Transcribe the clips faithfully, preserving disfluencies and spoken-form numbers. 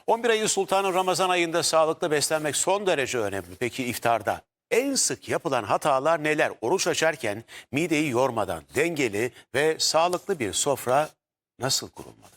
on bir ayın sultanı Ramazan ayında sağlıklı beslenmek son derece önemli. Peki iftarda en sık yapılan hatalar neler? Oruç açarken mideyi yormadan dengeli ve sağlıklı bir sofra nasıl kurulmalı?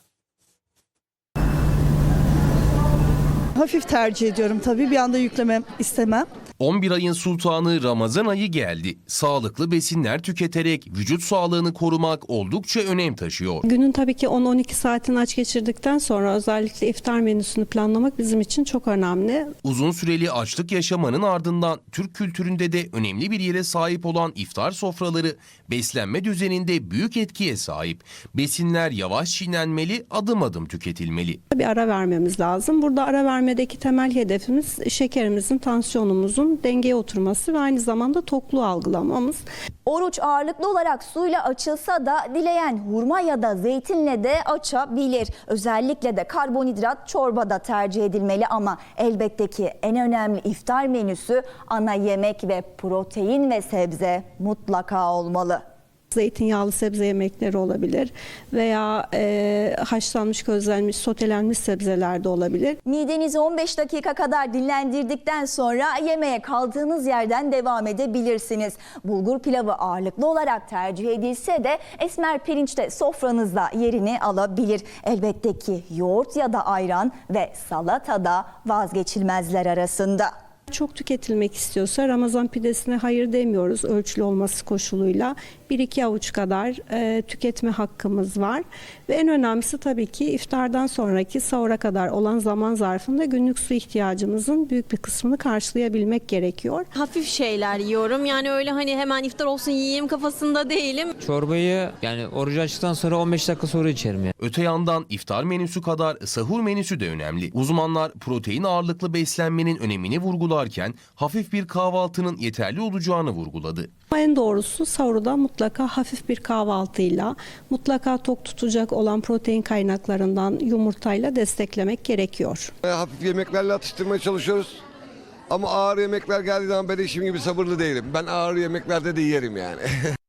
Hafif tercih ediyorum tabii, bir anda yüklemem istemem. on bir ayın sultanı Ramazan ayı geldi. Sağlıklı besinler tüketerek vücut sağlığını korumak oldukça önem taşıyor. Günün tabii ki on on iki saatini aç geçirdikten sonra özellikle iftar menüsünü planlamak bizim için çok önemli. Uzun süreli açlık yaşamanın ardından Türk kültüründe de önemli bir yere sahip olan iftar sofraları beslenme düzeninde büyük etkiye sahip. Besinler yavaş çiğnenmeli, adım adım tüketilmeli. Bir ara vermemiz lazım. Burada ara vermedeki temel hedefimiz şekerimizin, tansiyonumuzun dengeye oturması ve aynı zamanda tokluğu algılamamız. Oruç ağırlıklı olarak suyla açılsa da dileyen hurma ya da zeytinle de açabilir. Özellikle de karbonhidrat çorbada tercih edilmeli ama elbette ki en önemli iftar menüsü ana yemek ve protein ve sebze mutlaka olmalı. Zeytinyağlı sebze yemekleri olabilir veya e, haşlanmış, közlenmiş, sotelenmiş sebzeler de olabilir. Midenizi on beş dakika kadar dinlendirdikten sonra yemeğe kaldığınız yerden devam edebilirsiniz. Bulgur pilavı ağırlıklı olarak tercih edilse de esmer pirinç de sofranızda yerini alabilir. Elbette ki yoğurt ya da ayran ve salata da vazgeçilmezler arasında. Çok tüketilmek istiyorsa Ramazan pidesine hayır demiyoruz, ölçülü olması koşuluyla. bir iki avuç kadar e, tüketme hakkımız var. Ve en önemlisi tabii ki iftardan sonraki sahura kadar olan zaman zarfında günlük su ihtiyacımızın büyük bir kısmını karşılayabilmek gerekiyor. Hafif şeyler yiyorum. Yani öyle hani hemen iftar olsun yiyeyim kafasında değilim. Çorbayı yani orucu açtıktan sonra on beş dakika sonra içerim yani. Öte yandan iftar menüsü kadar sahur menüsü de önemli. Uzmanlar protein ağırlıklı beslenmenin önemini vurgularken hafif bir kahvaltının yeterli olacağını vurguladı. En doğrusu sahurda mutlaka hafif bir kahvaltıyla, mutlaka tok tutacak olan protein kaynaklarından yumurtayla desteklemek gerekiyor. Hafif yemeklerle atıştırmaya çalışıyoruz. Ama ağır yemekler geldiği zaman ben işim gibi sabırlı değilim. Ben ağır yemeklerde de yerim yani.